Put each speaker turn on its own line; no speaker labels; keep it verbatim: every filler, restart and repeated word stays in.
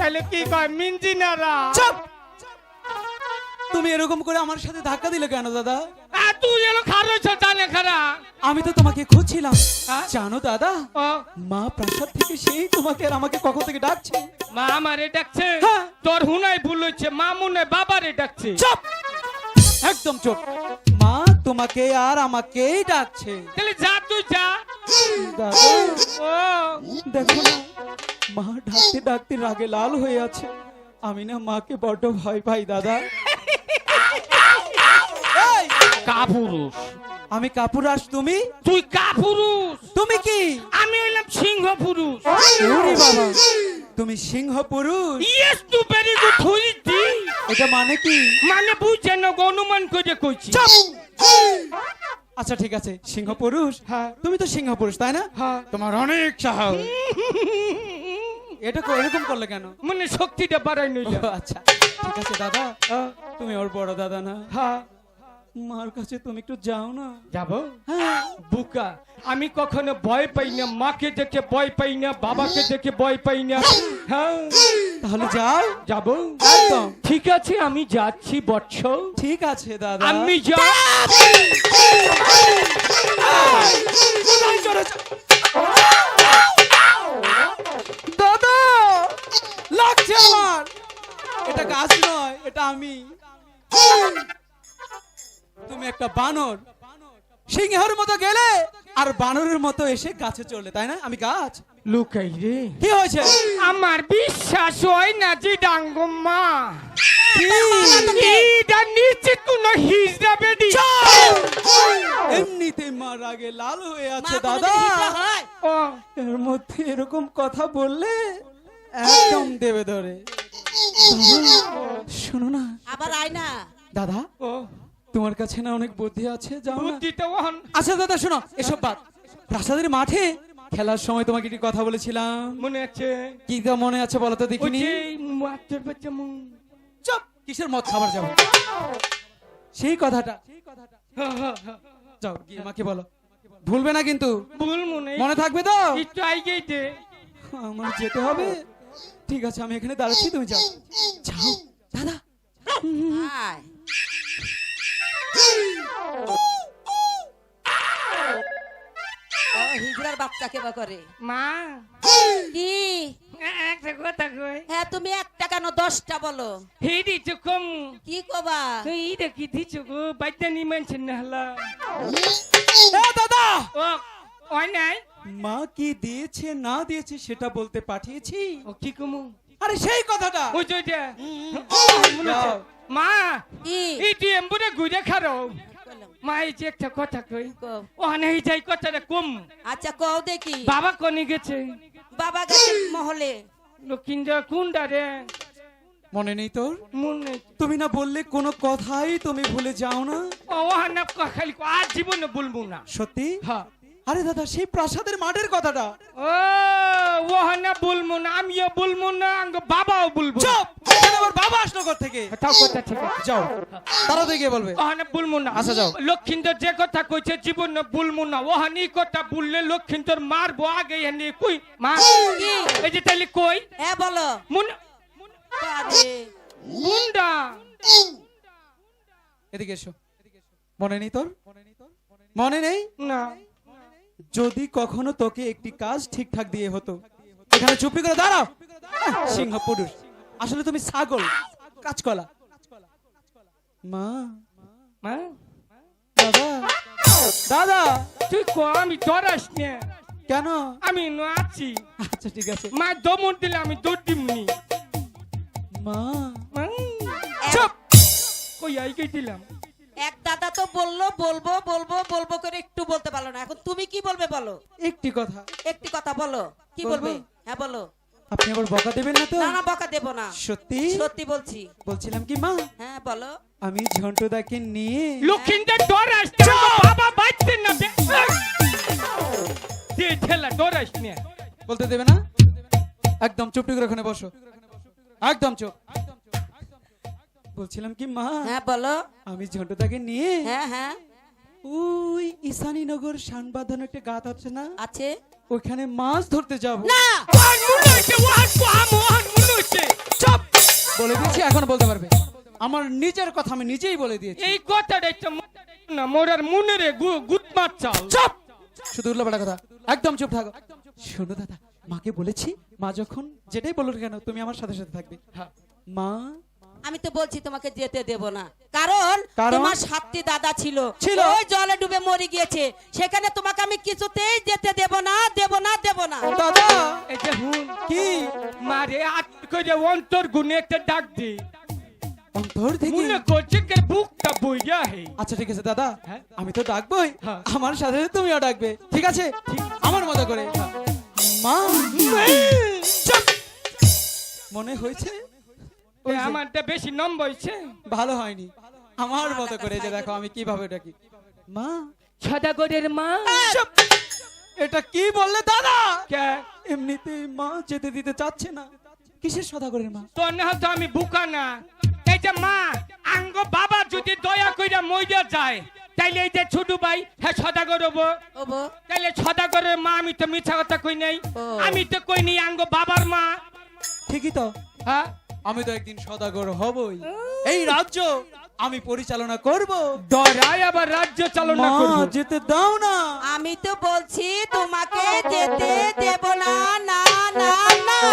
তাহলে কি কয় মিঞ্জিনারা?
চুপ! তুমি এরকম করে আমার সাথে ধাক্কা দিলে কেন দাদা?
আর তুই এলো খারছ জানে খারা।
আমি তো তোমাকে খুঁজছিলাম
হ্যাঁ?
জানো দাদা,
ও
মা প্রাসাদ থেকে সেই তোমাকে আর আমাকে কখন থেকে ডাকছে।
মা আমারে ডাকছে?
হ্যাঁ।
তোর হুনাই ভুল হচ্ছে, মা মনে বাবারে ডাকছে।
চুপ! একদম চুপ! মা তোমাকে আর আমাকেই ডাকছে।
তাহলে যা তুই যা।
দাদা
ও
দেখো না, মা ডাকতে ডাকতে রাগে লাল হয়ে আছে। আমি না মাকে বড্ড ভয় পাই দাদা। এই,
কাপুরুষ।
আমি কাপুরাস, তুমি
তুই কাপুরুষ।
তুমি কি?
আমি হইলাম সিংহ পুরুষ।
ওরে বাবা, তুমি সিংহ পুরুষ?
ইয়েস টু ভেরি গুড হইতি।
এটা মানে কি?
মানে বুঝে না, অনুমান করে কইছি।
চুপ! আচ্ছা ঠিক আছে, সিংহ পুরুষ।
হ্যাঁ।
তুমি তো সিংহ পুরুষ তাই না?
হ্যাঁ।
তোমার অনেক সাহস। এটা কো- এরকম করলে কেন?
মানে শক্তিটা বাড়াই
ও,
নইলা।
আচ্ছা ঠিক আছে দাদা, তুমি ওর বড় দাদা না?
হ্যাঁ
মার কাছে তুমি একটু যাও না।
যাবো।
হ্যাঁ।
বুকা, আমি কখনো ভয় পাই না, মাকে দেখে ভয় পাই না, বাবাকে দেখে ভয় পাই না। হ্যাঁ
তাহলে যাও।
যাবো।
একদম
ঠিক আছে, আমি যাচ্ছি বৎস।
ঠিক আছে দাদা।
আমি যা।
দাদা লাগছে আমার। এটা গাছ নয়, এটা আমি। তুমি একটা বানর, সিংহের মতো গেলে আর বানরের মতো এসে গাছে চললে, তাই না? আমি গাছ।
লুকাই রে,
কি হয়েছে?
আমার বিশ্বাস হয় না যে ডাঙ্গম্মা
কি?
এটা নিশ্চিত কোন হিজড়া বেডি।
এমনিতে মা রাগে লাল হয়ে আছে
মা
দাদা।
কোনোদিন হিজড়া হয়?
ও
এর মধ্যে এরকম কথা বললে একদম দেবে ধরে। শোনো না
আবার আয় না।
দাদা,
ও
তোমার কাছে না অনেক বুদ্ধি আছে, যাও না।
বুদ্ধিতে ওহন।
আচ্ছা দাদা শোনো, এসব বাদ। প্রাসাদের মাঠে খেলার সময় তোমাকে একটি কথা বলেছিলাম,
মনে আছে?
কি তা মনে আছে বলো তো
ওই
দেখিনি?
যে মাছের বাচ্চা মুখ।
চুপ! কিসের মদ খাবার যাবো? সেই কথাটা
হ্যাঁ, হ্যাঁ, হ্যাঁ।
যাও গিয়ে মাকে বলো, ভুলবে না কিন্তু,
ভুল মনে
মনে থাকবে তো?
একটু আইগেই দে।
আমার যেতে হবে। ঠিক আছে, আমি এখানে দাঁড়াচ্ছি, তুমি যাও। যাও দাদা।
আয়। ও হিজড়ার বাচ্চাকে বা করে
মা
কি?
একটা কথা কই।
হ্যাঁ তুমি একটা কেন দশটা বলো।
হেডি তো কম।
কি কবা?
এই দেখি দিছো গো, বাইতে নি মানছেন না হলা।
এ দাদা,
ও ওই নাই।
মা কি দিয়েছে না দিয়েছে সেটা বলতে পাঠিয়েছি।
ও কি কমু?
আরে সেই কথাটা।
ওই যে ওইটা। মনে আছে?
যাও।
মা
কি?
এই তুই এমবুরে ঘুরে খারো।
কইলাম।
মা এই যে একটা কথা কই,
কও।
ও নাই যাই কথাটা কম।
আচ্ছা কও দেখি।
বাবা কোনি গেছে?
বাবা গেছে মহলে।
লক্ষিন্দর কুন্ডা রে?
মনে নেই তোর?
মনে
তুমি না বললে কোনো কথাই তুমি ভুলে যাও না।
ও হানা খালি আর জীবনে বলবো না।
সত্যি?
হ্যাঁ।
আরে দাদা, সেই প্রাসাদের মাঠের কথাটা।
ও ও হানা বলবো না, আমিও বলবো না, আঙ্গ বাবাও বলবো না।
চুপ! এখানে আমার বাবা আসলো কোথা থেকে?
তাও কথা ঠিক আছে।
যাও, তাড়াতাড়ি গিয়ে বলবে।
ওহানে বলবো না।
আচ্ছা, যাও।
লক্ষিন্দর যে কথা কইছে জীবনে বলবো না। ওহানি কথা বললে লক্ষিন্দর মারবো আগে এনে কই মা।
কি?
এই যে তাইলে কই
হ্যাঁ বলো।
মুন
আরে
মুন্ডা।
এদিকে এসো। মনে নেই তোর? মনে নেই?
না
যদি কখনো তোকে একটি কাজ ঠিকঠাক দিয়ে হতো, এখানে চুপি করে দাঁড়াও। আহ, সিংহ পুরুষ, আসলে তুমি ছাগল, কাঁচকলা। মা,
মা
দাদা, দাদা।
তুই কো আমি ডরাস না,
কেন?
আমি ন আছি।
আচ্ছা ঠিক আছে।
মা দমন দিলে আমি দৌড় দিমনি।
মা,
মা
চুপ!
কই আই গই দিলাম।
এক দাদা তো বললো বলবো বলবো বলবো করে একটু বলতে পারলো না। এখন তুমি কি বলবে বলো।
একটি কথা।
একটি কথা বলো। কি
বলবো?
বলবে? হ্যাঁ বলো।
আপনি আবার বকা দেবেন না তো?
না না বকা দেব না।
সত্যি?
সত্যি বলছি।
বলছিলাম কি মা,
হ্যাঁ বলো।
আমি ঝন্টুদাকে নিয়ে
লক্ষিন্দর ডরাস না, বাবা বাইতে না দে। দে ঠেলা ডরাস না।
বলতে দেবে না? একদম চুপ করে ওখানে বসো, একদম চুপ। বলছিলাম কি মা,
হ্যাঁ বলো।
আমি ঝন্টুদাকে নিয়ে
হ্যাঁ হ্যাঁ
ওই ঈশানীনগর শানবাঁধানো একটা গাত আছে না,
আছে।
ওইখানে মাছ ধরতে যাবো।
না
ওহান মুন হইছে, ওহান কোহাম ওহান মুন হইছে।
বলে দিয়েছি, এখন বলতে পারবে। আমার নিজের কথা আমি নিজেই বলে দিয়েছি।
এই কথাটা একটা ম- না মোরার মনে রে গুদ মার চাল।
চুপ! শুধু উল্টোপাল্টা কথা, একদম চুপ থাকো। শোনো দাদা, মাকে বলেছি, মা যখন যেটাই বলুন কেন তুমি আমার সাথে সাথে থাকবে।
হ্যাঁ।
মা
আমি তো বলছি তোমাকে যেতে দেব না, কারণ
কারণ?
তোমার সাতটি দাদা ছিল,
ছিল।
ওই জলে ডুবে মরে গিয়েছে, সেখানে তোমাকে আমি কিছুতেই যেতে দেব না, দেব না, দেব না।
দাদা
এই যে হুন
কি
মারে আট করে অন্তর গুনে একটা ডাক দি,
অন্তর থেকে?
মনে করছে কে বুকটা বইয়া হে।
আচ্ছা ঠিক আছে দাদা,
হ্যাঁ।
আমি তো ডাকবোই,
হ্যাঁ।
আমার সাথে সাথে তুমিও ডাকবে, ঠিক আছে? আমার মতো করে। মা চুপ! মনে হয়েছে? ওই
এ
যে,
আমারটা বেশি নম্বর হইছে।
ভালো হয়নি, আমার মতো করে যে দেখো আমি কিভাবে ডাকি। মা
সদাগরের মা।
চুপ! এটা কি বললে দাদা?
কে
এমনিতেই মা যেতে দিতে চাচ্ছে না, কিসের সদাগরের মা?
তোর না তো আমি বুকা না। এই যে মা আঙ্গ বাবা যদি দয়া কইরা মইরা যায়, তাইলে এই যে ছোট ভাই হ্যাঁ সদাগর হবো।
ওবো,
তাইলে সদাগরের মা, আমি তো মিথ্যা কথা কই নাই।
ও।
আমি তো কই নি আঙ্গ বাবার মা।
ঠিকই তো,
হ্যাঁ
আমি তো একদিন সদাগর হবই, এই রাজ্য আমি পরিচালনা করব।
ডরায় আবার রাজ্য চালনা
মা
করবো।
যেতে দাও না।
আমি তো বলছি তোমাকে যেতে দেব না,